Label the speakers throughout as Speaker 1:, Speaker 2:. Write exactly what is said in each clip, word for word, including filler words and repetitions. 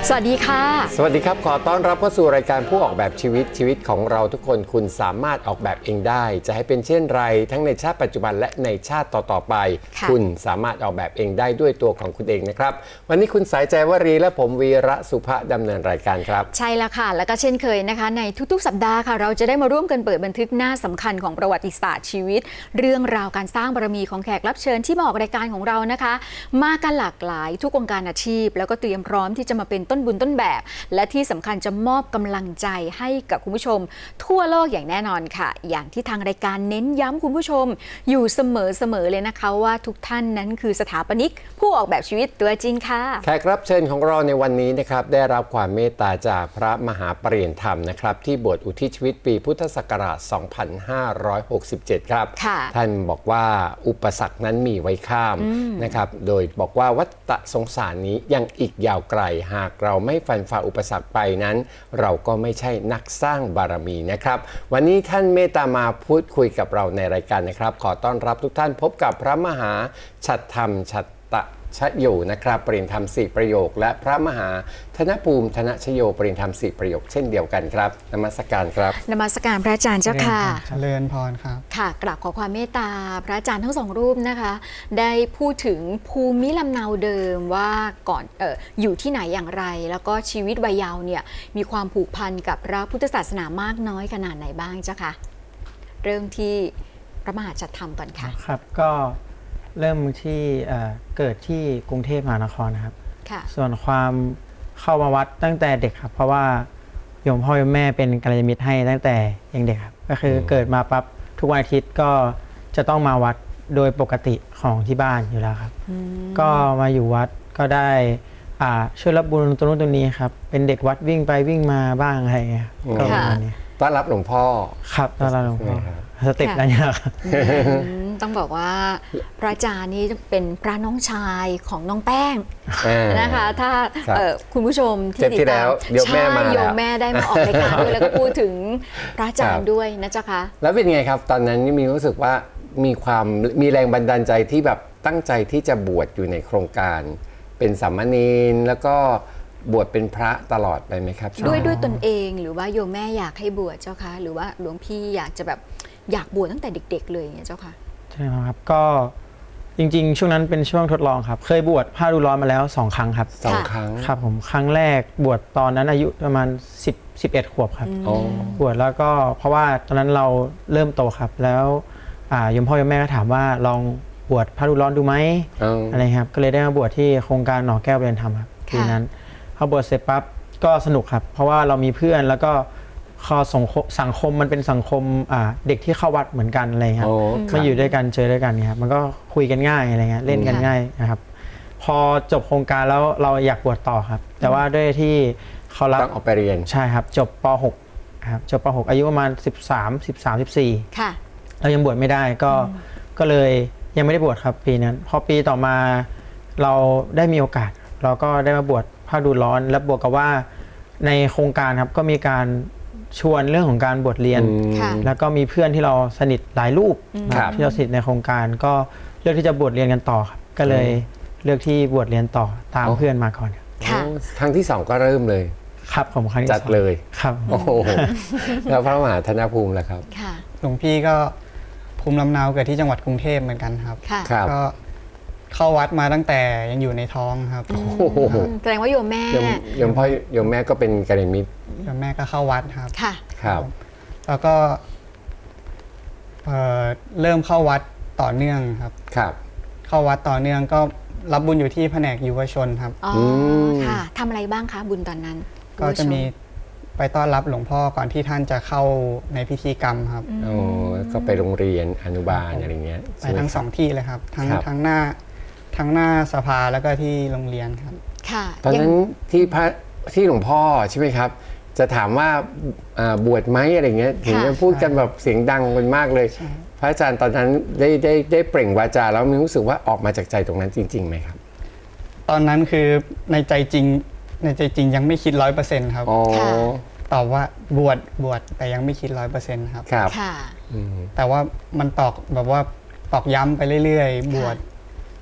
Speaker 1: สวัสดีค่ะ
Speaker 2: สวัสดีครับขอต้อนรับเข้าสู่รายการผู้ออกแบบชีวิตชีวิตของเราทุกคนคุณสามารถออกแบบเองได้จะให้เป็นเช่นไรทั้งในชาติปัจจุบันและในชาติต่อๆไปคุณสามารถออกแบบเองได้ด้วยตัวของคุณเองนะครับวันนี้คุณสายใจวรีและผมวีระสุภะดำเนินรายการครับ
Speaker 1: ใช่แล้วค่ะแล้วก็เช่นเคยนะคะในทุกๆสัปดาห์ค่ะเราจะได้มาร่วมกันเปิดบันทึกหน้าสำคัญของประวัติศาสตร์ชีวิตเรื่องราวการสร้างบารมีของแขกรับเชิญที่มาออกรายการของเรานะคะมากันหลากหลายทุกวงการอาชีพแล้วก็เตรียมพร้อมที่จะมาเป็นต้นบุญต้นแบบและที่สำคัญจะมอบกำลังใจให้กับคุณผู้ชมทั่วโลกอย่างแน่นอนค่ะอย่างที่ทางรายการเน้นย้ำคุณผู้ชมอยู่เสมอๆเลยนะคะว่าทุกท่านนั้นคือสถาปนิกผู้ออกแบบชีวิตตัวจริงค่ะ
Speaker 2: แขกรับเชิญของเราในวันนี้นะครับได้รับความเมตตาจากพระมหาปริยญธรรมนะครับที่บวชอุทิศชีวิตปีพุทธศักราช สองพันห้าร้อยหกสิบเจ็ด ครับท่านบอกว่าอุปสรรคนั้นมีไว้ข้ามนะครับโดยบอกว่าวัฏสงสารนี้ยังอีกยาวไกลหากเราไม่ฟันฝ่าอุปสรรคไปนั้นเราก็ไม่ใช่นักสร้างบารมีนะครับวันนี้ท่านเมตตามาพูดคุยกับเราในรายการนะครับขอต้อนรับทุกท่านพบกับพระมหาฉัตรธรรมฉัตตชโยนะครับปริญญาธรรมสี่ประโยคและพระมหาธนภูมิธนชโยปริญญาธรรมสี่ประโยคเช่นเดียวกันครับนมัสการครับ
Speaker 1: นมัสการพระอาจารย์เจ้าค่ะ
Speaker 3: เจริญพรครับ
Speaker 1: ค่ะกราบขอความเมตตาพระอาจารย์ทั้งสองรูปนะคะได้พูดถึงภูมิลำเนาเดิมว่าก่อนเอ่ออยู่ที่ไหนอย่างไรแล้วก็ชีวิตวัยเยาว์เนี่ยมีความผูกพันกับพระพุทธศาสนามากน้อยขนาดไหนบ้างเจ้าค่ะเริ่มที่พระมหาฉัตรธรรมก่อนค่ะ
Speaker 3: ครับก็เริ่มที่เกิดที่กรุงเทพมหานครนะครับส่วนความเข้ามาวัดตั้งแต่เด็กครับเพราะว่าโยมพ่อโยมแม่เป็นกัลยาณมิตรให้ตั้งแต่ยังเด็กครับก็คือเกิดมาปั๊บทุกวันอาทิตย์ก็จะต้องมาวัดโดยปกติของที่บ้านอยู่แล้วครับก็มาอยู่วัดก็ได้ช่วยรับบุญตรงนู้นตรงนี้ครับเป็นเด็กวัดวิ่งไปวิ่งมาบ้างอะไรอย่างเงี้ยก็ประมาณนี้
Speaker 2: ต้อนรับหลวงพ่อ
Speaker 3: ครับต้อนรับหลวงพ่อสเต็ปอะไรเนี่ยครับ
Speaker 1: ต้องบอกว่าพระอาจารย์นี่เป็นพระน้องชายของน้องแป้งนะคะถ้าคุณผู้ชมที่ติดตามใช่โยมแม่ได้มาออกรายการด้วยแล้วก็พูดถึงพระอาจารย์ด้วยนะเจ้าคะ
Speaker 2: แล้วเป็นไงครับตอนนั้นมีรู้สึกว่ามีความมีแรงบันดาลใจที่แบบตั้งใจที่จะบวชอยู่ในโครงการเป็นสามเณรแล้วก็บวชเป็นพระตลอดไปไหมครับ
Speaker 1: ด้วยด้วยตนเองหรือว่าโยมแม่อยากให้บวชเจ้าคะหรือว่าหลวงพี่อยากจะแบบอยากบวชตั้งแต่เด็กๆเลยเจ้าค่ะ
Speaker 3: ใช่ครับก็จริงๆช่วงนั้นเป็นช่วงทดลองครับเคยบวชผ้าดูร้อนมาแล้วสองครั้งครับ
Speaker 2: สองครั้ง
Speaker 3: ครับผมครั้งแรกบวชตอนนั้นอายุประมาณสิบ สิบเอ็ดขวบครับบวชแล้วก็เพราะว่าตอนนั้นเราเริ่มโตครับแล้วโยมพ่อโยมแม่ก็ถามว่าลองบวชผ้าดูร้อนดูไหมอะไรครับก็เลยได้มาบวชที่โครงการหนอแก้วเรียนธรรมครับทีนั้นพอบวชเสร็จปั๊บก็สนุกครับเพราะว่าเรามีเพื่อนแล้วก็คอสังคมมันเป็นสังคมเด็กที่เข้าวัดเหมือนกันอะไรครับมาอยู่ด้วยกันเจอด้วยกันครับมันก็คุยกันง่ายอะไรเงี้ยเล่นกันง่ายนะครับพอจบโครงการแล้วเราอยากบวชต่อครับแต่ว่าด้วยที่เขารับ
Speaker 2: ต้องออกไปเรียน
Speaker 3: ใช่ครับจบป หก ครับจบป หก อายุประมาณสิบสาม สิบสาม สิบสี่ค่ะเรายังบวชไม่ได้ก็ก็เลยยังไม่ได้บวชครับปีนั้นพอปีต่อมาเราได้มีโอกาสเราก็ได้มาบวชผ้าดูร้อนและบวกกับว่าในโครงการครับก็มีการชวนเรื่องของการบวชเรียนแล้วก็มีเพื่อนที่เราสนิทหลายรูปที่เราสนิทในโครงการก็เลือกที่จะบวชเรียนกันต่อครับก็เลยเลือกที่บวชเรียนต่อตามเพื่อนมาก่อน
Speaker 2: ครั้งที่สองก็เริ่มเลย
Speaker 3: ครับผมครั้งที่
Speaker 2: จัดเลย
Speaker 3: ครับ
Speaker 2: โอ้โหแล้วพระมหาธนภูมิล่ะครับ
Speaker 4: หลวงพี่ก็ภูมิลำเนาเกิดที่จังหวัดกรุงเทพเหมือนกันครับก็เข้าวัดมาตั้งแต่ยังอยู่ในท้องครับ
Speaker 1: แสดงว่าโยมแม่
Speaker 2: โยมพ่อโยมแม่ก็เป็นกัลยาณมิตร
Speaker 4: โยมแม่ก็เข้าวัดครับ
Speaker 1: ค่ะ
Speaker 2: ครับ
Speaker 4: แล้วก็เริ่มเข้าวัดต่อเนื่องครับ
Speaker 2: ครับ
Speaker 4: เข้าวัดต่อเนื่องก็รับบุญอยู่ที่แผนกยุวชนครับ
Speaker 1: อ๋อค่ะทำอะไรบ้างคะบุญตอนนั้น
Speaker 4: ก็จะมีไปต้อนรับหลวงพ่อก่อนที่ท่านจะเข้าในพิธีกรรมครับ
Speaker 2: โอ้ก็ไปโรงเรียนอนุบาลอะไรเงี้ย
Speaker 4: ไปทั้งสองที่เลยครับทั้งทั้งหน้าทั้งหน้าสภาแล้วก็ที่โรงเรียนครับ
Speaker 1: ค่ะ
Speaker 2: ตอนนั้นที่พระที่หลวงพ่อใช่ไหมครับจะถามว่าบวชไหมอะไรเงี้ยถึงจะพูดกันแบบเสียงดังกันมากเลยพระอาจารย์ตอนนั้นได้ได้ได้เปล่งวาจาแล้วมีรู้สึกว่าออกมาจากใจตรงนั้นจริงๆไหมครับ
Speaker 4: ตอนนั้นคือในใจจริงในใจจริงยังไม่คิดร้อยเปอร์เซ็นต์ครับตอบว่าบวชบวชแต่ยังไม่คิดร้อยเปอร์เซ็นต์ครับ
Speaker 1: ค่ะ
Speaker 4: แต่ว่ามันตอกแบบว่าตอกย้ำไปเรื่อยๆบวช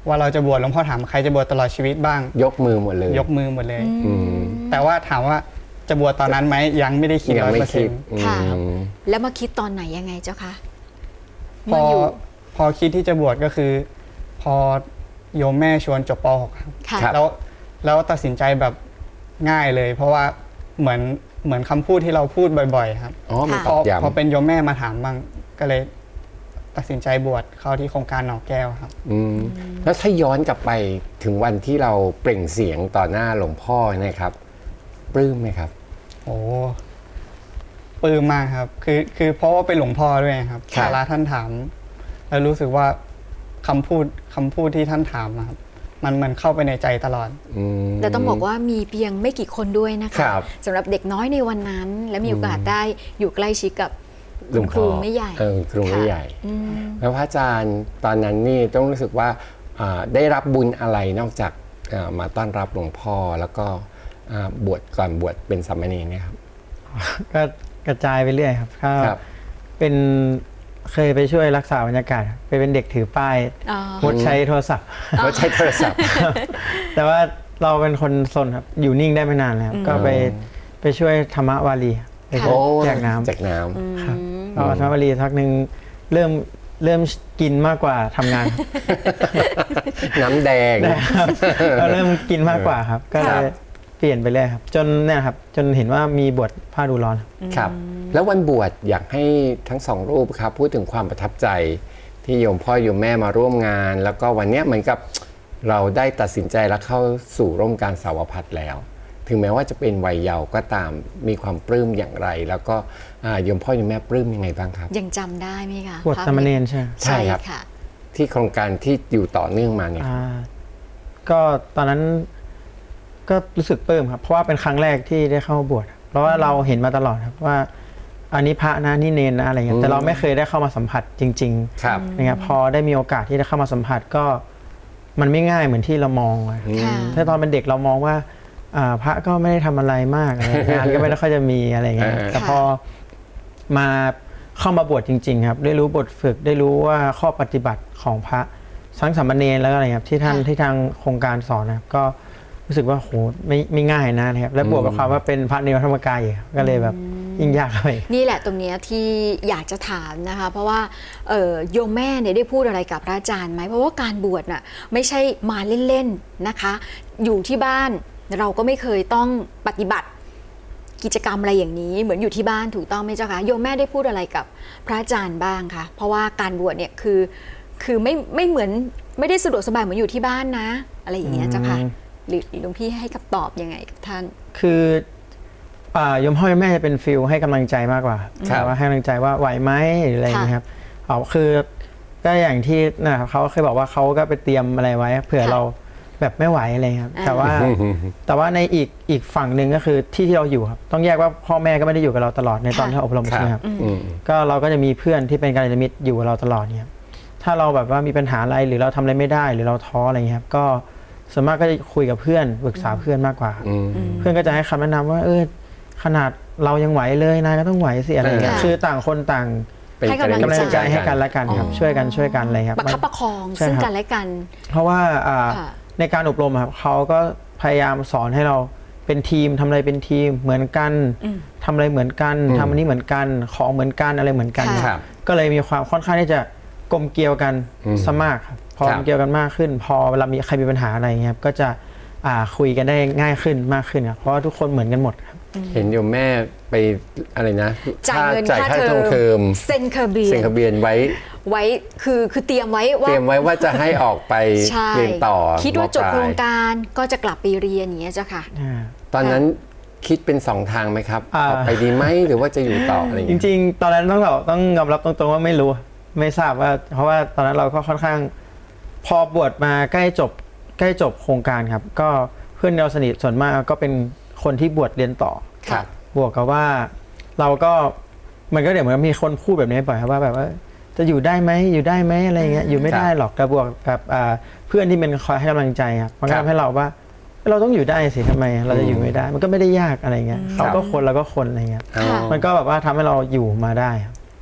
Speaker 4: ว่าเราจะบวชหลวงพ่อถามใครจะบวชตลอดชีวิตบ้าง
Speaker 2: ยกมือหมดเลย
Speaker 4: ยกมือหมดเลย
Speaker 2: อืม
Speaker 4: แต่ว่าถามว่าจะบวชตอนนั้นไหมยังไม่ได้คิด
Speaker 2: ยั
Speaker 4: ร้อย
Speaker 2: ไม่
Speaker 4: เปอร์
Speaker 2: คิ
Speaker 4: เซ็
Speaker 2: ด
Speaker 4: นต์
Speaker 1: ค่ะ
Speaker 2: อืม
Speaker 1: แล้วมาคิดตอนไหนยังไงเจ้าคะ
Speaker 4: พอ
Speaker 1: เมื่ออยู่
Speaker 4: พอคิดที่จะบวชก็คือ พอโยมแม่ชวนจบป .หก ครับ
Speaker 1: ค่ะ
Speaker 2: ครับ
Speaker 4: แล้วแล้วตัดสินใจแบบง่ายเลย เพราะว่าเหมือนเหมือนคำพูดที่เราพูดบ่อยๆครับ
Speaker 2: อ๋อมัน
Speaker 4: พ
Speaker 2: ต
Speaker 4: อ
Speaker 2: อกย้ำ
Speaker 4: พอเป็นโยมแม่มาถามบ้างก็เลยตัดสินใจบวชเข้าที่โครงการหนองแก้วครับ
Speaker 2: อืมแล้วถ้าย้อนกลับไปถึงวันที่เราเปล่งเสียงต่อหน้าหลวงพ่อนะครับปลื้มไหมครับ
Speaker 4: โอ้ปลื้มมากครับ คือคือเพราะว่าเป็นหลวงพ่อด้วยครับ
Speaker 2: ครับ
Speaker 4: เวลาท่านถาม แล้วรู้สึกว่าคำพูดคำพูดที่ท่านถามอะครับ มันมันเข้าไปในใจตลอด
Speaker 2: อืม
Speaker 1: แต่ต้องบอกว่ามีเพียงไม่กี่คนด้วยนะ
Speaker 2: ค
Speaker 1: คะ
Speaker 2: รับ
Speaker 1: สำหรับเด็กน้อยในวันนั้น และมีโอกาสได้อยู่ใกล้ชิดกับ
Speaker 2: หลวง
Speaker 1: ค
Speaker 2: พ่
Speaker 1: รู
Speaker 2: อ
Speaker 1: ไม่ใหญ่
Speaker 2: เออครูไม่
Speaker 1: ค่ะ
Speaker 2: ใหญ่
Speaker 1: อืม
Speaker 2: แล้วพระอาจารย์ตอนนั้นนี่ต้องรู้สึกว่าอ่าได้รับบุญอะไรนอกจากอ่ามาต้อนรับหลวงพ่อแล้วก็อ่าบวชก่อนบวชเป็นสามเณรเนี่ยครับ
Speaker 3: ก็กระจายไปเรื่อยครับก็
Speaker 2: ครับ
Speaker 3: เป็นเคยไปช่วยรักษาบรรยากาศครับไปเป็นเด็กถือป้าย
Speaker 1: อ๋อ
Speaker 3: งดใช้โทรศัพท์
Speaker 2: ก็ใช้โทรศัพท์
Speaker 3: แต่ว่าเราเป็นคนซนครับอยู่นิ่งได้ไม่นานแล้วก็ไปไปช่วยธรรมวารีครับไป
Speaker 1: ค่ะ
Speaker 2: โอ้
Speaker 3: แจกน้ำ
Speaker 2: แจกน้
Speaker 3: ครับก็ธรรมวารีทักหนึ่งเริ่มเริ่มกินมากกว่าทำงานครับ
Speaker 2: ำ น้ำแดง
Speaker 3: ก็เริ่มกินมากกว่าครับ ก็เลยเปลี่ยนไปเรื่อยครับ จนเนี่ยครับจนเห็นว่ามีบทผ้าดูร้อนครับ
Speaker 2: ครับ แล้ววันบวชอยากให้ทั้งสองรูปครับ พูดถึงความประทับใจที่โยมพ่อโยมแม่มาร่วมงาน แล้วก็วันเนี้ยเหมือนกับเราได้ตัดสินใจและเข้าสู่ร่วมการสาวพัฒน์แล้ว ถึงแม้ว่าจะเป็นวัยเยาว์ก็ตามมีความปลื้มอย่างไร แล้วก็อ่าโยมพ่อโยมแม่ปลื้มยังไงบ้างครับ
Speaker 1: ยังจำได้ไหมคะ
Speaker 3: บทสามเณรใช่ไหม
Speaker 2: ใช่
Speaker 1: ใช่
Speaker 2: ครับ
Speaker 1: ค่ะ
Speaker 2: ที่โครงการที่อยู่ต่อเนื่องมาเนี่ย
Speaker 3: อ่าก็ตอนนั้นก็รู้สึกปลื้มครับ เพราะว่าเป็นครั้งแรกที่ได้เข้าบวชครับเพราะว่าเราเห็นมาตลอดครับว่า อันนี้พระนะนี่เนนนะอะไรเงี้ยแต่เราไม่เคยได้เข้ามาสัมผัสจริง
Speaker 2: ครับ
Speaker 3: ๆนะครับพอได้มีโอกาสที่ได้เข้ามาสัมผัสก็มันไม่ง่ายเหมือนที่เรามองอะ
Speaker 1: ค่ะ
Speaker 3: ถ้าตอนเป็นเด็กเรามองว่าอ่าพระก็ไม่ได้ทำอะไรมากอะไรงานก็ไม่ได้ค่อยจะมีอะไรเงี้ย
Speaker 2: เออ
Speaker 3: แต่พอมาเข้ามาบวชจริง ๆ ครับ ได้รู้บทฝึกได้รู้ว่าข้อปฏิบัติของพระทั้งสามเณรแล้วก็อะไรครับที่ท่าน
Speaker 1: ค่ะ
Speaker 3: ที่ทางโครงการสอนนะครับก็รู้สึกว่าโหไม่ไม่ง่ายนะนะครับและบวกกับความว่าเป็นพระในวัดธรรมกายอีกครับก็เลยแบบยิ่งยากเข้าไป
Speaker 1: นี่แหละตรงเนี้ยที่อยากจะถามนะคะ เพราะว่าเอ่อโยมแม่เนี่ยได้พูดอะไรกับพระอาจารย์ไหมเพราะว่าการบวชน่ะไม่ใช่มาเล่นๆนะคะ อยู่ที่บ้านเราก็ไม่เคยต้องปฏิบัติกิจกรรมอะไรอย่างนี้ เหมือนอยู่ที่บ้านถูกต้องไหมเจ้าคะโยมแม่ได้พูดอะไรกับพระอาจารย์บ้างคะเพราะว่าการบวชเนี่ยคือคือไม่ไม่เหมือนไม่ได้สะดวกสบายเหมือนอยู่ที่บ้านนะ อะไรอย่างเงี้ยเจ้าค่ะหรือหลวงพี่ให้คำตอบยังไงกับท่าน
Speaker 3: คืออ่าโยมพ่อโยมแม่จะเป็นฟิลให้กำลังใจมากกว่า
Speaker 2: ครับ
Speaker 3: แต่ว่าให้กำลังใจว่าไหวไหมหรืออะไรอย่างเงี้ยครับเอาคือก็อย่างที่นะครับเขาเคยบอกว่าเขาก็ไปเตรียมอะไรไว้เผื่อ
Speaker 1: ค่ะ
Speaker 3: เราแบบไม่ไหวอะไรครับ
Speaker 1: อ่า
Speaker 3: แต่ว่าแต่ว่าในอีกอีกฝั่งหนึ่งก็คือที่ที่เราอยู่ครับต้องแยกว่าพ่อแม่ก็ไม่ได้อยู่กับเราตลอดในตอนที่เราอบรม
Speaker 2: ค
Speaker 3: ใช่
Speaker 2: รับ
Speaker 3: ไหมครับ
Speaker 2: อืม
Speaker 3: ก็เราก็จะมีเพื่อนที่เป็นกัลยาณมิตรอยู่กับเราตลอดเนี่ยครับถ้าเราแบบว่ามีปัญหาอะไรหรือเราทำอะไรไม่ได้หรือเราท้ออะไรเงี้ยครับก็ส่วนมากก็จะคุยกับเพื่อนปรึกษาเพื่อนมากกว่า
Speaker 2: อืม
Speaker 3: เพื่อนก็จะให้คำแนะนำว่าเออขนาดเรายังไหวเลยนายก็ต้องไหวสิอะไรอย่างเงี้ย
Speaker 1: ค่ะ
Speaker 3: คือต่างคนต่าง
Speaker 2: เป็น
Speaker 1: ให้กำลัง
Speaker 3: กำลังใจให้กัน
Speaker 2: และ
Speaker 3: และกันครับช่วยกันช่วยกันอะไรครับ
Speaker 1: ประคับประคอง
Speaker 3: ใช่
Speaker 1: ซึ่ง
Speaker 3: ครับ
Speaker 1: กันและกัน
Speaker 3: เพราะว่าอ่า
Speaker 1: ค่ะ
Speaker 3: ในการอบรมอะครับเขาก็พยายามสอนให้เราเป็นทีมทำอะไรเป็นทีมเหมือนกัน
Speaker 1: อืม
Speaker 3: ทำอะไรเหมือนกัน
Speaker 2: อืม
Speaker 3: ทำอันนี้เหมือนกันของเหมือนกันอะไรเหมือนกัน
Speaker 1: ค่ะ
Speaker 2: ครับ
Speaker 3: ก็เลยมีความค่อนข้างที่จะกลมเกลียวกัน
Speaker 2: อืม
Speaker 3: ซะมากครับพอ
Speaker 2: ครั
Speaker 3: ก
Speaker 2: บ
Speaker 3: ลมเกลียวกันมากขึ้น พอเวลามีใครมีปัญหาอะไรเงี้ยครับก็จะอ่าคุยกันได้ง่ายขึ้นมากขึ้นครับเพราะว่าทุกคนเหมือนกันหมดครับ
Speaker 2: เห็นโยมแม่ไปอะไรนะ
Speaker 1: จ่ายเงิน
Speaker 2: จ่าย
Speaker 1: ค่า
Speaker 2: ค่า
Speaker 1: เท
Speaker 2: ท
Speaker 1: อ
Speaker 2: อง
Speaker 1: ม
Speaker 2: เทอม
Speaker 1: เซ็นเคอร์เบีย
Speaker 2: เซ็นทะเบียนไว้
Speaker 1: ไว้คือคือเตรียมไว้ว่า
Speaker 2: เตรียมไว้ว่าจะให้ออกไป
Speaker 1: ใช่
Speaker 2: เรียนต่อ
Speaker 1: คิดว่าจบ
Speaker 2: มปลย
Speaker 1: โครงการก็จะกลับไปเรียนอย่างเงี้ยเจ้าค่ะ
Speaker 2: ตอนนั้นคิดเป็นสองทางไหมครับ
Speaker 3: อ่า
Speaker 2: ออกไปดีไหมหรือว่าจะอยู่ต่ออะไรอย่าง
Speaker 3: จ
Speaker 2: เงี้ย
Speaker 3: ริงๆ ตอนนั้นต้องแบบต้องยอมรับตรงๆว่าไม่รู้ไม่ทราบว่า เพราะว่าตอนนั้นเราก็ค่อนข้าง พอบวชมาใกล้จบใกล้จบโครงการครับ ก็เพื่อนเราสนิทส่วนมากก็เป็นคนที่บวชเรียนต่อ
Speaker 2: ครับ
Speaker 3: บวกกับว่าเราก็มันก็เดี๋ยวเหมือนมีคนพูดแบบนี้บ่อยครับว่าแบบว่าจะอยู่ได้ไหมอยู่ได้ไหมอะไรเงี้ยอยู่ไม่ได้หรอกแต่บวกกับอ่าเพื่อนที่เป็นคอยให้กำลังใจครับมันก็
Speaker 2: ครับ
Speaker 3: ทำให้เราว่าเราต้องอยู่ได้สิทำไมเราจะอยู่ไม่ได้ มันก็ไม่ได้ยากอะไรเงี้ยเขาก็คนเราก็คนอะไรเงี้ย
Speaker 2: อ๋อ
Speaker 1: ค่ะ
Speaker 3: มันก็แบบว่าทำให้เราอยู่มาได้ครับ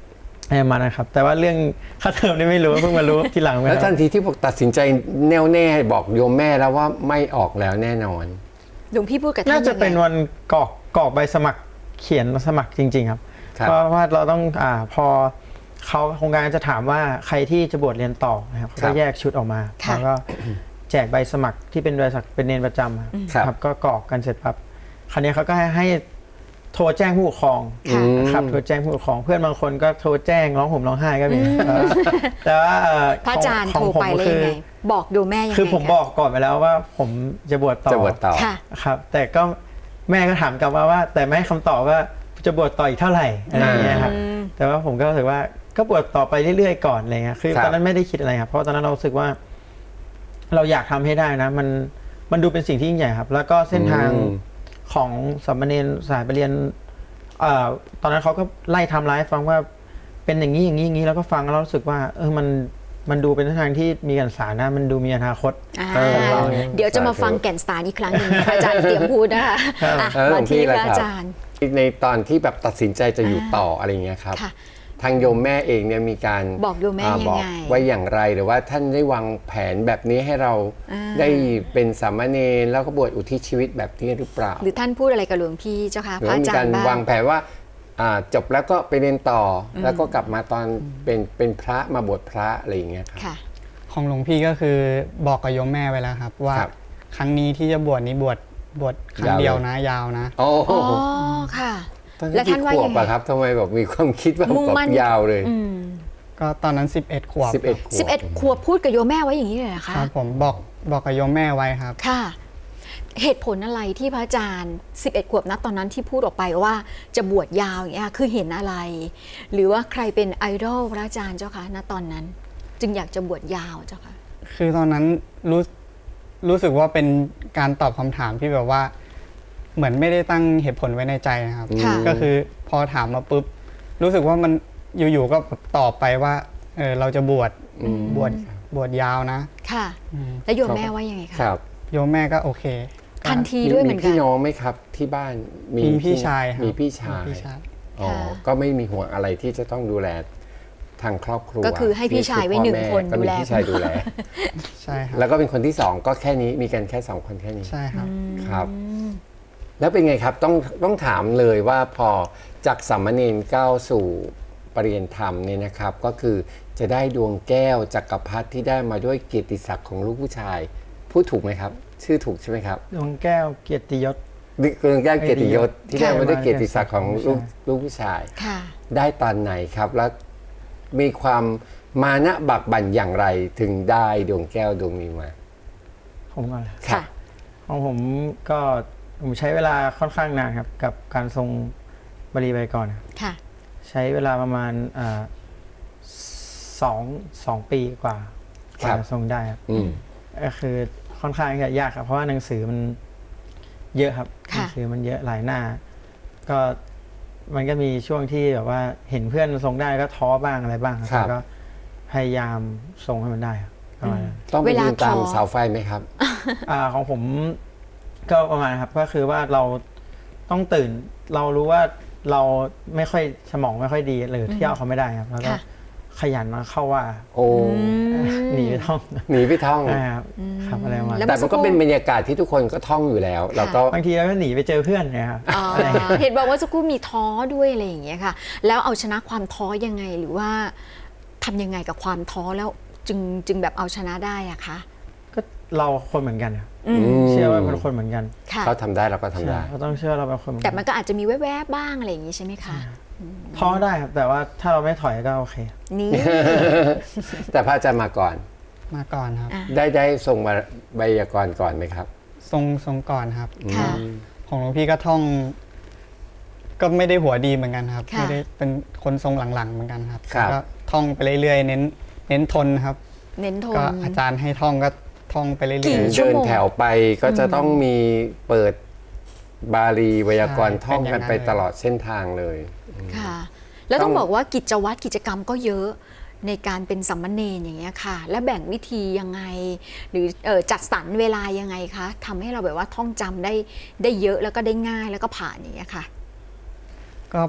Speaker 3: ประมาณนะครับแต่ว่าเรื่องค่าเทอมนี่ไม่รู้เพิ่งมารู้ทีหลัง
Speaker 2: แล้วทันทีที่บอกตัดสินใจแน่วแน่บอกโยมแม่แล้วว่าไม่ออกแล้วแน่นอน
Speaker 1: หลวงพี่พูดกับท่าน
Speaker 3: น่าจะ
Speaker 1: ยังไง
Speaker 3: เป็นวันกรอกกรอกใบสมัครเขียนสมัครจริง ๆ ครับ
Speaker 2: ครับ
Speaker 3: เพราะว่าเราต้องอ่าพอเขาโครงการจะถามว่าใครที่จะบวชเรียนต่อนะครับเขาก็แยกชุดออกมา
Speaker 1: ค่ะ
Speaker 3: แล้วก็แจกใบสมัครที่เป็นใบสมัครเป็นเนรประจำครับ
Speaker 2: ครับ
Speaker 3: ครับก็กรอกกันเสร็จปั๊บคราวนี้เขาก็ให้ให้โทรแจ้งผู้ปกครอง
Speaker 1: ค่ะ
Speaker 3: นะครับโทรแจ้งผู้ปกครองเพื่อนบางคนก็โทรแจ้งร้องห่มร้องไห้ก็มีแต่ว่าเอ่อ
Speaker 1: พระอาจารย์
Speaker 3: ข
Speaker 1: โท
Speaker 3: อง
Speaker 1: รไปเลยยังไง
Speaker 3: คือ
Speaker 1: บอกโยมแม่ยังไง
Speaker 3: คือผม
Speaker 1: ะ
Speaker 3: บอกก่อนไปแล้วว่าผมจะบวชต่อ
Speaker 2: จะบวชต่อ
Speaker 1: ค่ะ
Speaker 3: ครับแต่ก็แม่ก็ถามกลับมาว่า แต่ไม่ให้คำตอบว่าจะบวชต่ออีกเท่าไหร่อะไรอย่างเงี้ยครับ
Speaker 1: อืม
Speaker 3: แต่ว่าผมก็รู้สึกว่าก็บวชต่อไปเรื่อยๆก่อนอะไรเงี้ยคือ
Speaker 2: ครับ
Speaker 3: ตอนนั้นไม่ได้คิดอะไรครับเพราะตอนนั้นเรารู้สึกว่า เราอยากทำให้ได้นะ มันมันดูเป็นสิ่งที่ยิ่งใหญ่ครับ แล้วก็เส้นทาง
Speaker 2: อืม
Speaker 3: ของสามเณรสายไปเรียนเอ่อตอนนั้นเขาก็ไล่ไทำร้ายฟังว่าเป็นอย่างนี้อย่างนี้อย่างนี้แล้วก็ฟังแล้วรู้สึกว่า เออมันมันดูเป็นเส้นทางที่มีกันสารนะ มันดูมีอนาคต
Speaker 1: อ่า
Speaker 2: เออ
Speaker 1: เดี๋ยวจะมาฟังแก่นสารอีกครั้งหนึ่งพระอาจารย์เตรียมพูดนะคะอ่ะ
Speaker 2: เออหล
Speaker 1: มาว
Speaker 2: งพี่
Speaker 1: ที่พ
Speaker 2: ล่ะ
Speaker 1: ระ
Speaker 2: ครับ
Speaker 1: อาจารย์
Speaker 2: ในตอนที่แบบตัดสินใจจะอยู่ต่ออะไรอย่างเงี้ยครับ
Speaker 1: ค่ะ
Speaker 2: ทางโยมแม่เองเนี่ยมีการ
Speaker 1: บอกโยมแม่
Speaker 2: า
Speaker 1: ยังไง
Speaker 2: บอกไว้อย่างไรหรือว่าท่านได้วางแผนแบบนี้ให้เรา
Speaker 1: อ่า
Speaker 2: ได้เป็นสามเณรแล้วก็บวชอุทิศชีวิตแบบนี้หรือเปล่า
Speaker 1: หรือท่านพูดอะไรกับหลวงพี่เจ้าคะ
Speaker 2: หรื
Speaker 1: พ
Speaker 2: อ
Speaker 1: ระ
Speaker 2: ว่า
Speaker 1: อา
Speaker 2: มี
Speaker 1: จาร
Speaker 2: การ
Speaker 1: ย์บ้าง
Speaker 2: วางแผนว่าอ่าจบแล้วก็ไปเรียนต่ออแล้วก็กลับมาตอนเป็นเป็นพระมาบวชพระอะไรอย่างเงี้ยครับ
Speaker 1: ค่ะ
Speaker 4: ของหลวงพี่ก็คือบอกกับโยมแม่ไว้แล้วครับ ว่า
Speaker 2: ครับ
Speaker 4: ครั้งนี้ที่จะบวชนี้บวชบวชครั้ง
Speaker 2: ยาวเลย
Speaker 4: เดียวนะ ยาวนะ
Speaker 2: โอ้โห
Speaker 1: อ๋อ ค่ะ
Speaker 2: ตอน
Speaker 1: แล้
Speaker 2: นั้น
Speaker 1: วท่าน
Speaker 2: กี่
Speaker 1: ว่า
Speaker 2: ขว
Speaker 1: ยั
Speaker 2: บ
Speaker 1: งไง
Speaker 2: อะครับทำไมแบบมีความคิดว่า
Speaker 1: มุ่ง
Speaker 2: แบบ
Speaker 1: มั่น
Speaker 2: ยาวเลย
Speaker 1: อืม
Speaker 4: ก็ตอนนั้นสิบเอ็ดขวบ
Speaker 2: สิบเอ็ดขวบ
Speaker 1: สิบเอ็ดขวบพูดกับโยมแม่ไว้อย่างนี้เลยเหรอคะ
Speaker 4: ครับผมบอกบอกกับโยมแม่ไว้ครับ
Speaker 1: ค่ะ เหตุผลอะไรที่พระอาจารย์สิบเอ็ดขวบนะตอนนั้นที่พูดออกไปว่าจะบวชยาวอย่างเงี้ยคือเห็นอะไร หรือว่าใครเป็นไอดอลพระอาจารย์เจ้าคะณตอนนั้น จึงอยากจะบวชยาวเจ้าคะ
Speaker 4: คือตอนนั้นรู้รู้สึกว่าเป็นการตอบคำถามที่แบบว่า เหมือนไม่ได้ตั้งเหตุผลไว้ในใจนะครับ
Speaker 1: ค่ะ
Speaker 4: ก็คือพอถามมาปุ๊บรู้สึกว่ามันอยู่ๆก็ตอบไปว่าเออเราจะบวช
Speaker 2: อืม
Speaker 4: บวชบวชยาวนะ
Speaker 1: ค่ะ
Speaker 4: อืม
Speaker 1: แล้วโยมแม่ว่ายังไงคะ
Speaker 2: ครับ
Speaker 4: โยมแม่ก็โอเคก็
Speaker 1: ทันทีด้วยเหมือนกั
Speaker 2: พี่
Speaker 1: น
Speaker 2: น้องไหมครับที่บ้าน
Speaker 4: มีพี่ชายครับ
Speaker 2: มีพี่ชาย
Speaker 4: มีพี่ชาย
Speaker 2: อ๋อ
Speaker 1: ค่ะ
Speaker 2: ก็ไม่มีห่วงอะไรที่จะต้องดูแลทางครอบครัว
Speaker 1: ก็คือให้พี่ชายไว้หนึ่งคน
Speaker 2: ก็
Speaker 1: ดู
Speaker 2: มี
Speaker 1: แล
Speaker 2: พี่ชายดูแล
Speaker 4: ใช่ครับ
Speaker 2: แล้วก็เป็นคนที่สองก็แค่นี้มีกันแค่สองคนแค่นี้
Speaker 4: ใช่ครับ
Speaker 2: ครับ แล้วเป็นไงครับต้องต้องถามเลยว่าพอจากสามเณรก้าวสู่ปรริยนธรรมเนี่ยนะครับ ก็คือจะได้ดวงแก้วจักรพรรดิที่ได้มาด้วยเกียรติศักดิ์ของลูกผู้ชาย พูดถูกไหมครับ ชื่อถูกใช่ไหมครับ
Speaker 3: ดวงแก้วเกียรติยศ
Speaker 2: ดวงแก้วเกียรติยศที่ได้
Speaker 3: ค่ะ
Speaker 2: มาด้วยเกียรติศักดิ์ของลูก
Speaker 3: ใช่
Speaker 2: ลูกผู้ชาย
Speaker 1: ค่ะ
Speaker 2: ได้ตอนไหนครับ แล้วมีความมานะบักบั่นอย่างไรถึงได้ดวงแก้วดวงนี้มา
Speaker 3: ผมก่อนเลย
Speaker 1: ค่ะ
Speaker 3: ของผมก็ผมใช้เวลาค่อนข้างนานครับ กับการทรงบรีไวยากรณ์ครับ
Speaker 1: ค่ะ
Speaker 3: ใช้เวลาประมาณอ่าสองสองปีกว่า
Speaker 2: ครั
Speaker 3: กว่า
Speaker 2: บ
Speaker 3: จะทรงได้ครับ
Speaker 2: อืม
Speaker 3: ก็คือค่อนข้างจะยากครับ เพราะว่าหนังสือมันเยอะครับห
Speaker 1: ค่ะ
Speaker 3: นังสือมันเยอะหลายหน้า ก็มันก็มีช่วงที่แบบว่าเห็นเพื่อนทรงได้ก็ท้อบ้างอะไรบ้างครับ
Speaker 2: ครับ
Speaker 3: แต่ก็พยายามทรงให้มันได้ครับประมาณนั้น
Speaker 2: ต้องไป
Speaker 1: เวลา
Speaker 2: ยืนตาม
Speaker 1: ท้อ
Speaker 2: เสาไฟไหมครับ
Speaker 3: อ่าของผมก็ประมาณครับก็คือว่าเราต้องตื่น เรารู้ว่าเราไม่ค่อยสมองไม่ค่อยดีหรือเที่ยวเขาไม่ได้ครับ แล้วก็
Speaker 1: ค่ะ
Speaker 3: ขยันมาเข้าว่า
Speaker 2: โอ้
Speaker 3: หนีไปท่อง
Speaker 2: หนีไปท่อง
Speaker 3: นะครับครับอะไรประมาณ
Speaker 1: แล้
Speaker 3: นั้
Speaker 1: ว
Speaker 3: น
Speaker 2: แต่มันก็เป็นบรรยากาศที่ทุกคนก็ท่องอยู่แล้ว เราก็
Speaker 3: บางทีเราก็หนีไปเจอเพื่อนเนะครับ
Speaker 1: อ๋อเห็นบอกว่าสักครู่มีท้อด้วยอะไรอย่างเงี้ยค่ะ แล้วเอาชนะความท้อยังไงหรือว่าทำยังไงกับความท้อแล้วจึงจึงแบบเอาชนะได้อะคะ
Speaker 3: ก็เราคนเหมือนกันครับ
Speaker 1: อืม
Speaker 3: เชื่อว่าเป็นคนเหมือนกัน
Speaker 1: ค่ะ
Speaker 2: เขาทำได้เราก็ทำได้
Speaker 3: ใช่เราต้องเชื่อเราเป็นคนเหมือน
Speaker 1: แต่
Speaker 3: กัน
Speaker 1: มันก็อาจจะมีแวบๆบ้างอะไรอย่างงี้ใช่ไหมคะ
Speaker 3: ท้อได้ครับแต่ว่าถ้าเราไม่ถอยก็โอเค
Speaker 1: นี่
Speaker 2: แต่พระอาจารย์มาก่อน
Speaker 4: มาก่อนครับ
Speaker 1: อ่ะ
Speaker 2: ได้ได้ส่งมาใบยากรณ์ก่อนไหมครับ
Speaker 4: ทรงทรงก่อนครับ
Speaker 1: ค่ะ
Speaker 4: ของหลวงพี่ก็ท่อง ก็ไม่ได้หัวดีเหมือนกันครับ
Speaker 1: ค่ะ
Speaker 4: ไม่ได้เป็นคนทรงหลังๆเหมือนกันครับ
Speaker 2: ครับ
Speaker 4: ก็ท่องไปเรื่อยๆเน้น เน้นทนครับ
Speaker 1: เน้นทน
Speaker 4: ก็อาจารย์ให้ท่องก็ท่องไปเรื่
Speaker 1: กี่
Speaker 4: อย
Speaker 1: ชั่ว
Speaker 2: เดิน
Speaker 1: โมง
Speaker 2: แถวไปก็จะต้องมีเปิดบาลีไวยากรณ์ท่องกันไปตลอดเส้นทางเลย
Speaker 1: ค่ะ แล้วต้อง
Speaker 2: ต้อง
Speaker 1: บอกว่ากิจวัตรกิจกรรมก็เยอะในการเป็นสัมมเนรอย่างเงี้ยค่ะ และแบ่งวิธียังไง หรือเอ่อจัดสรรเวลายังไงคะทำให้เราแบบว่าท่องจำได้ได้เยอะแล้วก็ได้ง่ายแล้วก็ผ่านอย่างเงี้ยค่ะ
Speaker 4: ๆก็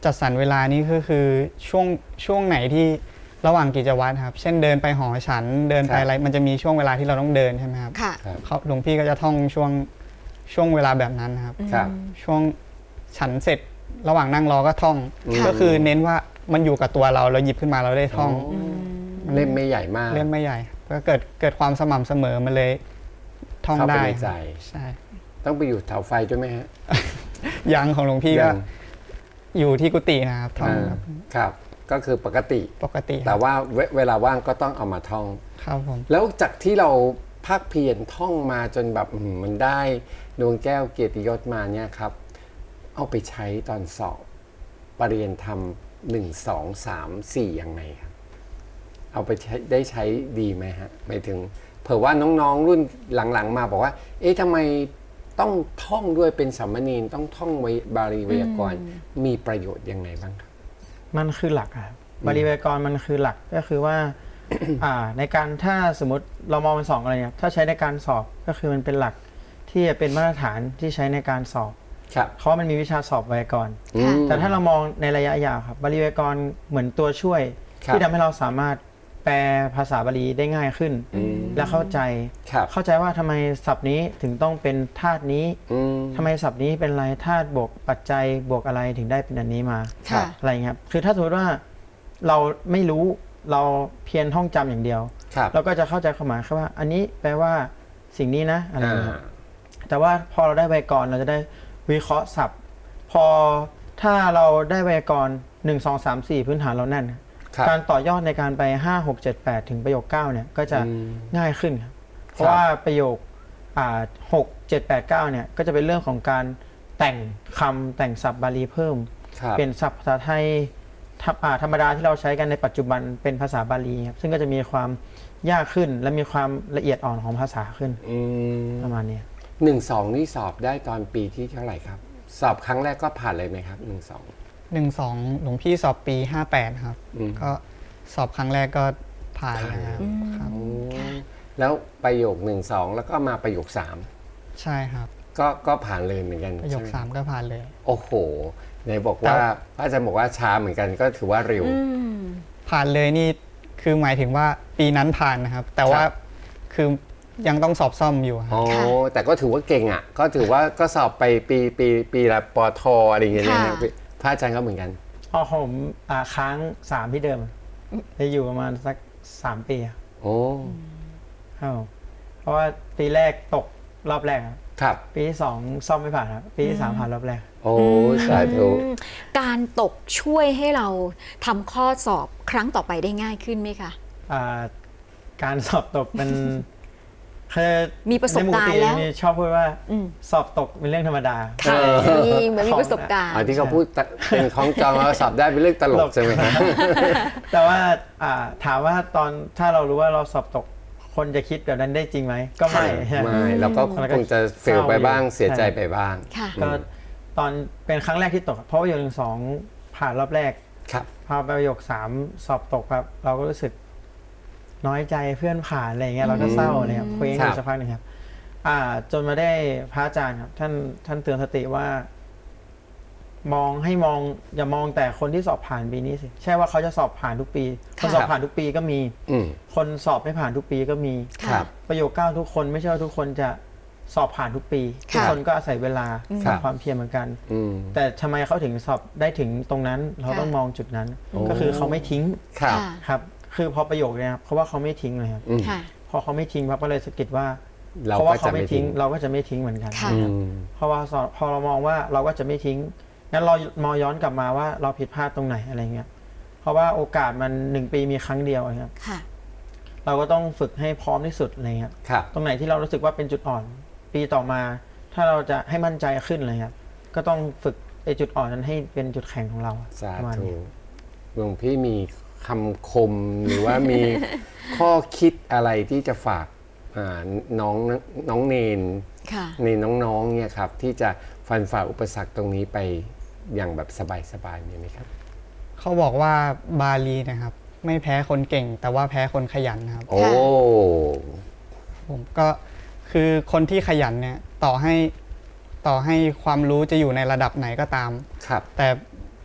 Speaker 4: จัดสรรเวลานี้ก็คือช่วงช่วงไหนที่ระหว่างกิจวัตรครับเช่นเดินไปหอฉันเดินไปอะไรมันจะมีช่วงเวลาที่เราต้องเดินใช่ไหมครับ
Speaker 1: ค่ะ
Speaker 2: ครับ
Speaker 4: เขาหลวงพี่ก็จะท่องช่วงช่วงเวลาแบบนั้นนะครับ
Speaker 2: ครับ
Speaker 4: ช่วงฉันเสร็จระหว่างนั่งรอก็ท่อง
Speaker 2: ค่ะ
Speaker 4: ก็คือเน้นว่ามันอยู่กับตัวเราเราหยิบขึ้นมาเราได้ท่อง
Speaker 2: เล่มไม่ใหญ่มาก
Speaker 4: เล่มไม่ใหญ่ก็เกิดเกิดความสม่ำเสมอมันเลยท่อง
Speaker 2: เข้าไป
Speaker 4: ได้
Speaker 2: ในใจ
Speaker 4: ใช่
Speaker 2: ต้องไปอยู่เสาไฟด้วยไหมฮะ
Speaker 4: ยังของหลวงพี่ก็
Speaker 2: ยัง
Speaker 4: อยู่ที่กุฏินะครับท่อง
Speaker 2: อ่า
Speaker 4: ครับ
Speaker 2: ครับ ก็คือปกติ
Speaker 4: ปกติค
Speaker 2: แต่
Speaker 4: รับ
Speaker 2: ว่าเวเวลาว่างก็ต้องเอามาท่อง
Speaker 4: ครับผม
Speaker 2: แล้วจากที่เราภาคเพียรท่องมาจนแบบอื้อหือมันได้ดวงแก้วเกียรติยศมาเนี่ยครับ เอาไปใช้ตอนสอบปรริญญาธรรมหนึ่งสองสามสี่ยังไงครับ เอาไปใช้ได้ใช้ดีไหมฮะหมายถึง เผื่อว่าน้องๆรุ่นหลังๆ มาบอกว่า เอ๊ะทำไมต้องท่องด้วยเป็นสามเณรต้องท่องไว้บาลีไวยากรณ์มีประโยชน์ยังไงบ้างครับ
Speaker 3: มันคือหลักอะครับบาลีไวยากรณ์มันคือหลักก็คือว่า อ่าในการถ้าสมมติเรามองเป็นสองอะไรเนี่ยถ้าใช้ในการสอบก็คือมันเป็นหลักที่จะเป็นมาตรฐานที่ใช้ในการสอบ
Speaker 2: ครับ
Speaker 3: เพราะว่ามันมีวิชาสอบไวยากรณ์
Speaker 2: อืม
Speaker 3: แต่ถ้าเรามองในระยะยาวครับบาลีไวยากรณ์เหมือนตัวช่วย
Speaker 2: ครับ
Speaker 3: ที่ทำให้เราสามารถแปลภาษาบาลีได้ง่ายขึ้น
Speaker 2: อืม
Speaker 3: และเข้าใจ
Speaker 2: ครับ
Speaker 3: เข้าใจว่าทำไมศัพท์นี้ถึงต้องเป็นธาตุนี้
Speaker 2: อืม
Speaker 3: ทำไมศัพท์นี้เป็นอะไรธาตุบวกปัจจัยบวกอะไรถึงได้เป็นอันนี้มา
Speaker 2: ครับ
Speaker 3: อะไรเงี้ยครับคือถ้าสมมติว่าเราไม่รู้เราเพียรท่องจำอย่างเดียว
Speaker 2: ครับ
Speaker 3: เราก็จะเข้าใจความหมายแค่ว่า อันนี้แปลว่าสิ่งนี้นะอะไร
Speaker 2: อ่า
Speaker 3: เงี้ยครับแต่ว่าพอเราได้ไวยากรณ์เราจะได้วิเคราะห์ศัพท์ พอถ้าเราได้ไวยากรณ์หนึ่งสองสามสี่พื้นฐานเราแน่น
Speaker 2: ครับ
Speaker 3: การต่อยอดในการไปห้าหกเจ็ดแปดถึงประโยคเก้าเนี่ยก็จะ
Speaker 2: อืม
Speaker 3: ง่ายขึ้นครับเพราะว่าประโยคอ่าหกเจ็ดแปดเก้าเนี่ยก็จะเป็นเรื่องของการแต่งคำแต่งศัพท์บาลีเพิ่ม
Speaker 2: ครับ
Speaker 3: เปลี่ยนศัพท์ภาษาไทยธรรมอ่าธรรมดาที่เราใช้กันในปัจจุบันเป็นภาษาบาลีครับซึ่งก็จะมีความยากขึ้นและมีความละเอียดอ่อนของภาษาขึ้น
Speaker 2: อืม
Speaker 3: ประมาณนี้
Speaker 2: หนึ่งสองนี่สอบได้ตอนปีที่เท่าไหร่ครับ สอบครั้งแรกก็ผ่านเลยไหมครับหนึ่งสอง
Speaker 4: หนึ่งสองหลวงพี่สอบปีห้าแปดครับ
Speaker 2: อืม
Speaker 4: ก็สอบครั้งแรกก็ผ่านแล้วครับครับ
Speaker 2: แล้วประโยคหนึ่งสองแล้วก็มาประโยคสาม
Speaker 4: ใช่ครับ
Speaker 2: ก็ก็ผ่านเลยเหมือนกัน
Speaker 4: ประโยค
Speaker 2: ใช่ไห
Speaker 4: สามก็ผ่านเลย
Speaker 2: โอ้โหไหนบอกว่าพระอาจารย์บอกว่าช้าเหมือนกันก็ถือว่าเร็ว
Speaker 4: ผ่านเลยนี่คือหมายถึงว่าปีนั้นผ่านนะครับ แต่ว่า
Speaker 2: ครับ
Speaker 4: คือยังต้องสอบซ่อมอยู่ครับ
Speaker 2: อ๋อ
Speaker 1: ค่ะ
Speaker 2: แต่ก็ถือว่าเก่งอ่ะ ก็ถือว่าก็สอบไปปีปีปีละปอทอะไรอย่างเงี้ยนะ
Speaker 1: ค่ะ
Speaker 2: พระอาจารย์ก็เหมือนกัน
Speaker 3: อ๋อผมอ่าค้างสามที่เดิมได้อยู่ประมาณสักสามปีอะ
Speaker 2: โอ้
Speaker 3: ครับผมเพราะว่าปีแรกตกรอบแรกครับ
Speaker 2: ครับ
Speaker 3: ปีที่สองซ่อมไม่ผ่านครับปีที่สามผ่านรอบแรก
Speaker 2: โอ้สาธุ
Speaker 1: อืมการตกช่วยให้เราทำข้อสอบครั้งต่อไปได้ง่ายขึ้นไหมคะ
Speaker 3: อ่าการสอบตกเป็นคือ
Speaker 1: มีประสบการณ์
Speaker 3: ในห
Speaker 1: แล้ว
Speaker 3: มีชอบพูดว่า
Speaker 1: อืม
Speaker 3: สอบตกเป็นเรื่องธรรมดา
Speaker 1: ค่ะ
Speaker 2: เออ
Speaker 1: มีเหมือนมีประสบการณ์
Speaker 2: อ๋อที่เขาพูดตะเป็นของจองแล้วสอบได้เป็นเรื่องตลกใช่ไหมครับ
Speaker 3: แต่ว่าอ่าถามว่าตอนถ้าเรารู้ว่าเราสอบตกคนจะคิดแบบนั้นได้จริงไหมก็ไม่
Speaker 2: ไม่เราก็คงจะเฟลไปบ้างเสียใจไปบ้าง
Speaker 1: ค่ะ
Speaker 3: ก็ตอนเป็นครั้งแรกที่ตก เพราะว่าประโยคหนึ่งสองผ่านรอบแรก
Speaker 2: ครับ
Speaker 3: พอไปประโยคสามสอบตกครับ เราก็รู้สึกน้อยใจเพื่อนผ่านอะไรอย่างเงี้ยเราก็เศร้าเลยครับคุยกันอยู่สักพักหนึ่งครับ อ่า จนมาได้พระอาจารย์ครับ ท่านท่านเตือนสติว่า มองให้มองอย่ามองแต่คนที่สอบผ่านปีนี้สิใช่ว่าเขาจะสอบผ่านทุกปี คนสอบผ่านทุกปีก็มี
Speaker 2: อืม
Speaker 3: คนสอบไม่ผ่านทุกปีก็มี
Speaker 2: ครั
Speaker 1: ค่ะ
Speaker 2: บ
Speaker 3: ประโยคเก้าทุกคนไม่ใช่ว่าทุกคนจะสอบผ่านทุกปี ทุกคนก็อาศัยเวลา
Speaker 2: ครั
Speaker 3: กับบ ความเพียรเหมือนกัน
Speaker 2: อืม
Speaker 3: แต่ทำไมเขาถึงสอบได้ถึงตรงนั้น เราต้องมองจุดนั้น ก็คือเขาไม่ทิ้ง
Speaker 2: ครับ
Speaker 1: ค่ะ
Speaker 3: ครับ คือพอประโยคเนี่ยครับเขาว่าเขาไม่ทิ้งเลยครับ
Speaker 2: อืม
Speaker 1: ค่ะ
Speaker 3: พอเขาไม่ทิ้งปั๊บก็เลยสะกิดว่า
Speaker 2: เรา
Speaker 3: เพราะ
Speaker 2: ก็
Speaker 3: ว่าเขา
Speaker 2: จะ
Speaker 3: ไม่
Speaker 2: ไม่
Speaker 3: ทิ้
Speaker 2: ทิ้
Speaker 3: ง
Speaker 2: ง
Speaker 3: เราก็จะไม่ทิ้งเหมือนกัน
Speaker 1: ค่ะ
Speaker 2: อืม
Speaker 3: เพราะว่าสอนพอเรามองว่าเราก็จะไม่ทิ้งงั้นเรามองย้อนกลับมาว่าเราผิดพลาดตรงไหนอะไรเงี้ยเพราะว่าโอกาสมันหนึ่งปีมีครั้งเดียวครับ
Speaker 1: ค่ะ
Speaker 3: เราก็ต้องฝึกให้พร้อมที่สุดอะไรเงี้ย
Speaker 2: ครับ
Speaker 3: ตรงไหนที่เรารู้สึกว่าเป็นจุดอ่อน ปีต่อมา ถ้าเราจะให้มั่นใจขึ้นเลยครับก็ต้องฝึกไอ้จุดอ่อนนั้นให้เป็นจุดแข็งของเรา
Speaker 2: สา
Speaker 3: ประมาณ
Speaker 2: ธุ
Speaker 3: นี้
Speaker 2: หลวงพี่มีคำคมหรือว่ามี ข้อคิดอะไรที่จะฝากอ่าน้องน้องเนน
Speaker 1: ค่ะ
Speaker 2: ในน้องๆเนี่ยครับที่จะฟันฝ่าอุปสรรคตรงนี้ไปอย่างแบบสบายๆมีไหมครับ
Speaker 4: เขาบอกว่าบาลีนะครับ ไม่แพ้คนเก่ง แต่ว่าแพ้คนขยันนะครับ
Speaker 2: โอ้
Speaker 4: ผมก็คือคนที่ขยันเนี่ยต่อให้ต่อให้ความรู้จะอยู่ในระดับไหนก็ตาม
Speaker 2: ครับ
Speaker 4: แต่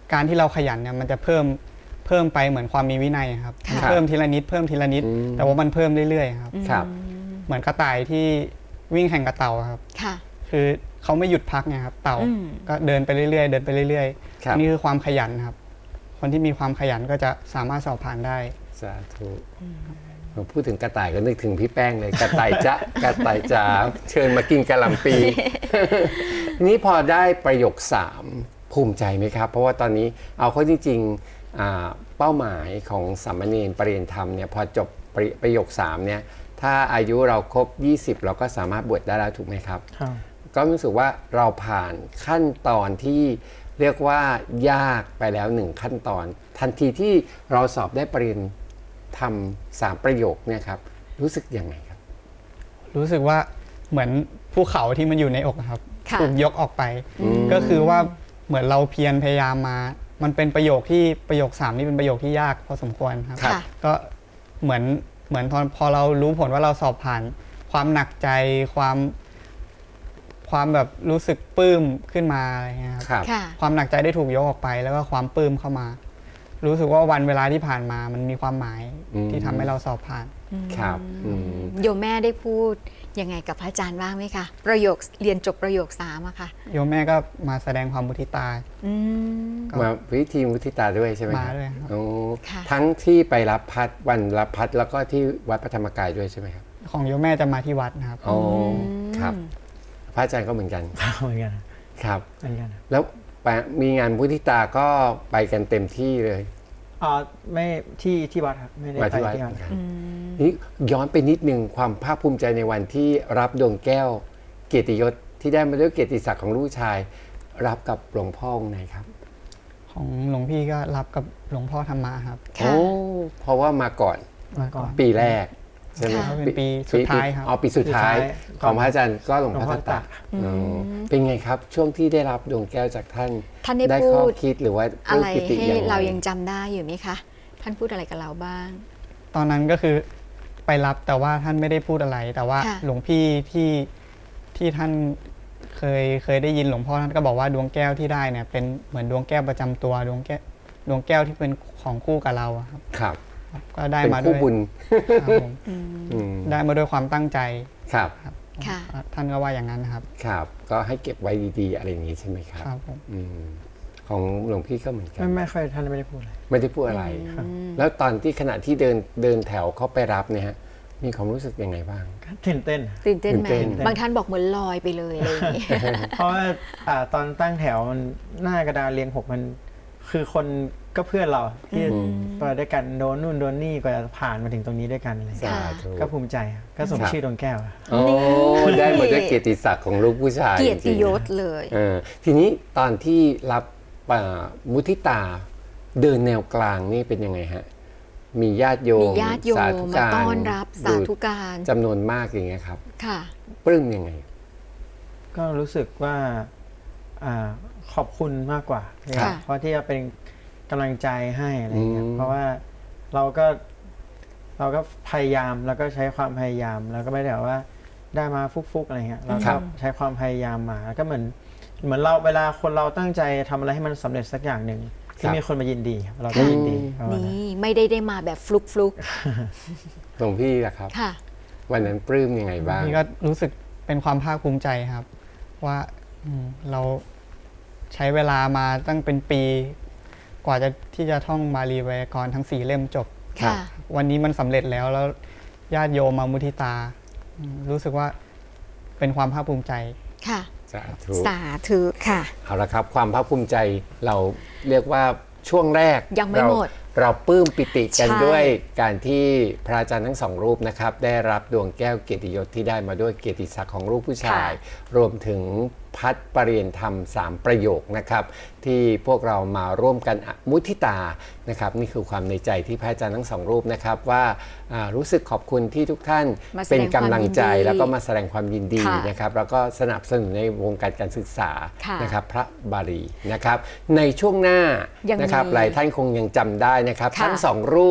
Speaker 4: การที่เราขยันเนี่ยมันจะเพิ่มเพิ่มไปเหมือนความมีวินัยครับ
Speaker 1: ค่ะ
Speaker 4: เพิ่มทีละนิดเพิ่มทีละนิด
Speaker 2: อืม
Speaker 4: แต่ว่ามันเพิ่มเรื่อยๆครับ
Speaker 2: ครับ
Speaker 4: เหมือนกระต่ายที่วิ่งแข่งกับเต่าครับ
Speaker 1: ค่ะ
Speaker 4: คือเขาไม่หยุดพักไงครับเต่า
Speaker 1: อืม
Speaker 4: ก็เดินไปเรื่อยๆเดินไปเรื่อย
Speaker 2: ครับ
Speaker 4: ๆนี่คือความขยันครับ คนที่มีความขยันก็จะสามารถสอบผ่านได้
Speaker 2: สาธุผมพูดถึงกระต่ายก็นึกถึงพี่แป้งเลย กระต่ายจ๊ะ กระต่ายจ๋าเชิญมากินกะหล่ำปี ทีนี้พอได้ประโยคสามภูมิใจไหมครับ เพราะว่าตอนนี้เอาเข้าจริงๆอ่าเป้าหมายของสามเณรปรริยนธรรมเนี่ยพอจบประประโยคสามเนี่ยถ้าอายุเราครบยี่สิบเราก็สามารถบวชได้แล้วถูกไหมครับ
Speaker 3: ครับ
Speaker 2: ก็รู้สึกว่าเราผ่านขั้นตอนที่เรียกว่ายากไปแล้วหนึ่งขั้นตอน ทันทีที่เราสอบได้ปรริญญาทำสามประโยคเนี่ยครับรู้สึกยังไงครับ
Speaker 4: รู้สึกว่าเหมือนภูเขาที่มันอยู่ในอกครับ
Speaker 1: ค่ะ
Speaker 4: ถูกยกออกไป ก็คือว่าเหมือนเราเพียรพยายามมา มันเป็นประโยคที่ประโยคสามนี่เป็นประโยคที่ยากพอสมควรครับ
Speaker 1: ค่ะ
Speaker 4: ก็เหมือนเหมือนพอพอเรารู้ผลว่าเราสอบผ่าน ความหนักใจความ ความแบบรู้สึกปลื้มขึ้นมาอะไรเงี้ยครับ
Speaker 2: ครับ
Speaker 1: ค่ะ
Speaker 4: ความหนักใจได้ถูกยกออกไป แล้วก็ความปลื้มเข้ามา รู้สึกว่าวันเวลาที่ผ่านมามันมีความหมาย
Speaker 2: อืม
Speaker 4: ที่ทำให้เราสอบผ่าน
Speaker 2: ครับอืม
Speaker 1: โยมแม่ได้พูดยังไงกับพระอาจารย์บ้างไหมคะประโยคเรียนจบประโยคสามอะค่ะ
Speaker 4: โยมแม่ก็มาแสดงความมุทิตา
Speaker 1: อืม
Speaker 4: ก็
Speaker 2: มาวิธีมุทิตาด้วยใช่ไหมครับ
Speaker 4: มาด้วยครับ
Speaker 2: โอ้
Speaker 1: ค่ะ
Speaker 2: ทั้งที่ไปรับพัดวันรับพัดแล้วก็ที่วัดพระธรรมกายด้วยใช่ไหมครับ
Speaker 4: ของโยมแม่จะมาที่วัดนะครับ
Speaker 2: อ๋อครับ พระอาจารย์ก็เหมือนกัน
Speaker 3: เหมือนกัน
Speaker 2: ครับ
Speaker 3: เหมือนกัน
Speaker 2: แล้วไปมีงานมุทิตาก็ไปกันเต็มที่เลย
Speaker 3: อ๋อไม่ที่ที่วัดครับไม่ได้
Speaker 2: มา
Speaker 3: ไป
Speaker 2: ที่วัด
Speaker 3: ที่วัด
Speaker 2: เหมือนกันนี่ย้อนไปนิดนึงความภาคภูมิใจในวันที่รับดวงแก้วเกียรติยศที่ได้มาด้วยเกียรติศักดิ์ของลูกชาย รับกับหลวงพ่อองค์ไหนครับ
Speaker 4: ของหลวงพี่ก็รับกับหลวงพ่อธรรมะครับ
Speaker 1: ค่ะ
Speaker 2: โอ้เพราะว่ามาก่อน
Speaker 4: มาก่อน
Speaker 2: ปีแรกใช่ไหม
Speaker 1: ค่ะ
Speaker 4: เป็นปีสุดท้ายครับ
Speaker 2: อ๋อปีสุดท้าย
Speaker 3: สุดท้าย
Speaker 2: ของพระอาจารย์ก็หลวงพ่อ
Speaker 3: หลวงพ่
Speaker 2: ทั
Speaker 3: อ
Speaker 2: ต
Speaker 3: ตะ
Speaker 2: ตะอ๋อเป็นไงครับ ช่วงที่ได้รับดวงแก้วจากท่าน
Speaker 1: ท่านได้
Speaker 2: ได้
Speaker 1: พู
Speaker 2: ข้อ
Speaker 1: ด
Speaker 2: คิดหรือว่า
Speaker 1: อะไร
Speaker 2: ปิติ
Speaker 1: ให้
Speaker 2: ยังไง
Speaker 1: เรายังจำได้อยู่ไหมคะ ท่านพูดอะไรกับเราบ้าง
Speaker 4: ตอนนั้นก็คือไปรับแต่ว่าท่านไม่ได้พูดอะไร แต่ว่า
Speaker 1: ค่ะ
Speaker 4: หลวงพี่ที่ที่ท่านเคยเคยได้ยินหลวงพ่อท่านก็บอกว่าดวงแก้วที่ได้เนี่ยเป็นเหมือนดวงแก้วประจำตัวดวงแก้วดวงแก้วที่เป็นของคู่กับเราอะครับ
Speaker 2: ครับ
Speaker 4: ก็ได้
Speaker 2: เป็น
Speaker 4: มาด้
Speaker 2: คู่
Speaker 4: วย
Speaker 2: บุญ
Speaker 4: ครับผม
Speaker 2: อืม
Speaker 4: ได้มาด้วยความตั้งใจ
Speaker 2: ครับ
Speaker 4: ครับ
Speaker 1: ค่ะ
Speaker 4: ท่านก็ว่าอย่างนั้นนะครับ
Speaker 2: ครับ ก็ให้เก็บไว้ดีๆ อะไรอย่างนี้ใช่ไหมครับ
Speaker 4: ครับผม
Speaker 2: อืมของหลวงพี่ก็เหมือนกัน
Speaker 3: ไม่ไม่ค่อยท่านไม่ได้พูดอะไร
Speaker 2: ไม่ได้พูดอะไร แล้วตอนที่ขณะที่เดินเดินแถวเข้าไปรับเนี่ยฮะมีความรู้สึกยังไงบ้าง
Speaker 3: ก็ตื่นเต้น
Speaker 1: ตื่นเต้นไหม
Speaker 2: ตื่นเต้น
Speaker 1: บางท่านบอกเหมือนลอยไปเลยอะไรอย่างนี้
Speaker 3: เพราะว่าอ่าตอนตั้งแถวมันหน้ากระดานเรียงหกมันคือคนก็เพื่อนเราที่ไปด้วยกันโดนนู่นโดนนี่กว่าจะผ่านมาถึงตรงนี้ด้วยกันอะไรอย่าง
Speaker 2: สา
Speaker 3: เงี้ย
Speaker 2: ธุ
Speaker 3: ก็ภูมิใจครับก็สม
Speaker 2: ครับ
Speaker 3: ชื่อดวงแก้วอะ
Speaker 2: โอ้ได้มาด้วยเกียรติศักดิ์ของลูกผู้ชาย
Speaker 1: เกียรติยศ
Speaker 2: จงๆ
Speaker 1: เลย
Speaker 2: เออทีนี้ตอนที่รับอ่ามุทิตาเดินแนวกลางนี่เป็นยังไงฮะ มีญาติโย
Speaker 1: มี
Speaker 2: ม
Speaker 1: ญาติโย
Speaker 2: สาม ธุ
Speaker 1: มา
Speaker 2: การ
Speaker 1: ต้อนรับสาธุการ
Speaker 2: จำนวนมากอย่างเงี้ยครับ
Speaker 1: ค่ะ
Speaker 2: ปลื้มยังไง
Speaker 3: ก็รู้สึกว่าอ่าขอบคุณมากกว่า
Speaker 1: ค่ะ
Speaker 3: เพราะที่จะเป็นกำลังใจให้อะไรเงี้ย
Speaker 2: อืม
Speaker 3: เพราะว่าเราก็เราก็พยายามแล้วก็ใช้ความพยายาม แล้วก็ไม่ได้แบบว่าได้มาฟุกๆอะไรเงี้ยเรา
Speaker 2: ครั
Speaker 3: ก็
Speaker 2: บ
Speaker 3: ใช้ความพยายามมาแล้วก็เหมือนเหมือนเราเวลาคนเราตั้งใจทำอะไรให้มันสำเร็จสักอย่างหนึ่งที่มีคนมายินดีครับเราก็ยินดีประมาณนั้น
Speaker 1: นี่ไม่ได้ได้มาแบบฟลุกฟลุก
Speaker 2: หลวงพี่ล่ะครับ
Speaker 1: ๆค่ะ
Speaker 2: วันนั้นปลื้มยังไงบ้าง
Speaker 4: นี่ก็รู้สึกเป็นความภาคภูมิใจครับ ว่าอืมเราใช้เวลามาตั้งเป็นปี กว่าจะที่จะท่องบาลีไวยากรณ์ทั้งสี่เล่มจบ
Speaker 2: ครับ
Speaker 1: ค่ะ
Speaker 4: วันนี้มันสำเร็จแล้วแล้วญาติโยมมามุทิตาอืมรู้สึกว่าเป็นความภาคภูมิใจ
Speaker 1: ค่ะ
Speaker 2: สาธุ
Speaker 1: สาธุค่ะ
Speaker 2: เอาละครับ ความภาคภูมิใจเราเรียกว่าช่วงแรก
Speaker 1: ยังไม่
Speaker 2: เรา
Speaker 1: หมด
Speaker 2: เราปลื้มปิติกัน
Speaker 1: ใช่
Speaker 2: ด้วยการที่พระอาจารย์ทั้งสองรูปนะครับได้รับดวงแก้วเกียรติยศที่ได้มาด้วยเกียรติศักดิ์ของลูกผู้ชาย รวมถึงพัดปรริยนธรรมสามประโยคนะครับที่พวกเรามาร่วมกันอมุทิตานะครับนี่คือความในใจที่พระอาจารย์ทั้งสองรูปนะครับว่าอ่ารู้สึกขอบคุณที่ทุกท่าน
Speaker 1: มาแสดง
Speaker 2: เป็นกำลังใจ
Speaker 1: ความยินดี
Speaker 2: แล้วก็มาแสดงความยินดี
Speaker 1: ค่ะ
Speaker 2: นะครับแล้วก็สนับสนุนในวงการการศึกษา
Speaker 1: ค่ะ
Speaker 2: นะครับพระบาลีนะครับในช่วงหน้า
Speaker 1: ยัง
Speaker 2: นะครับ
Speaker 1: มี
Speaker 2: หลายท่านคงยังจำได้นะครับ
Speaker 1: ค่ะ
Speaker 2: ทั้งสองรูป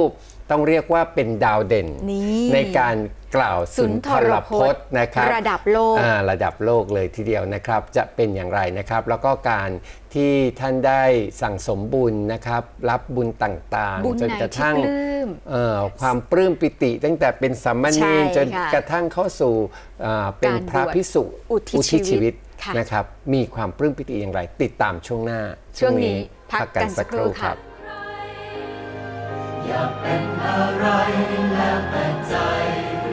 Speaker 2: ต้องเรียกว่าเป็นดาวเด่น
Speaker 1: นี่
Speaker 2: ในการกล่าวสุนทรพจน์นะครับ
Speaker 1: ระดับโลก
Speaker 2: อ่าระดับโลกเลยทีเดียวนะครับจะเป็นอย่างไรนะครับ แล้วก็การที่ท่านได้สั่งสมบุญนะครับ รับบุญต่าง
Speaker 1: บุญ
Speaker 2: ๆ จน
Speaker 1: ไหน
Speaker 2: กระ
Speaker 1: ที่
Speaker 2: ทั่ง
Speaker 1: ปลื้ม
Speaker 2: เอ่อความปลื้มปิติตั้งแต่เป็นสามเณ
Speaker 1: ใช่
Speaker 2: รจน
Speaker 1: ค่ะ
Speaker 2: กระทั่งเข้าสู่อ่าเป็น
Speaker 1: การ
Speaker 2: พระ
Speaker 1: บวช
Speaker 2: ภิกษุ
Speaker 1: อุทิศชีวิตค่ะ
Speaker 2: นะครับมีความปลื้มปิติอย่างไร ติดตามช่วงหน้า
Speaker 1: ช่วงนี้พักกันสักครู่ค่ะ
Speaker 5: อยากเป็นอะไรแล้วแต่ใจ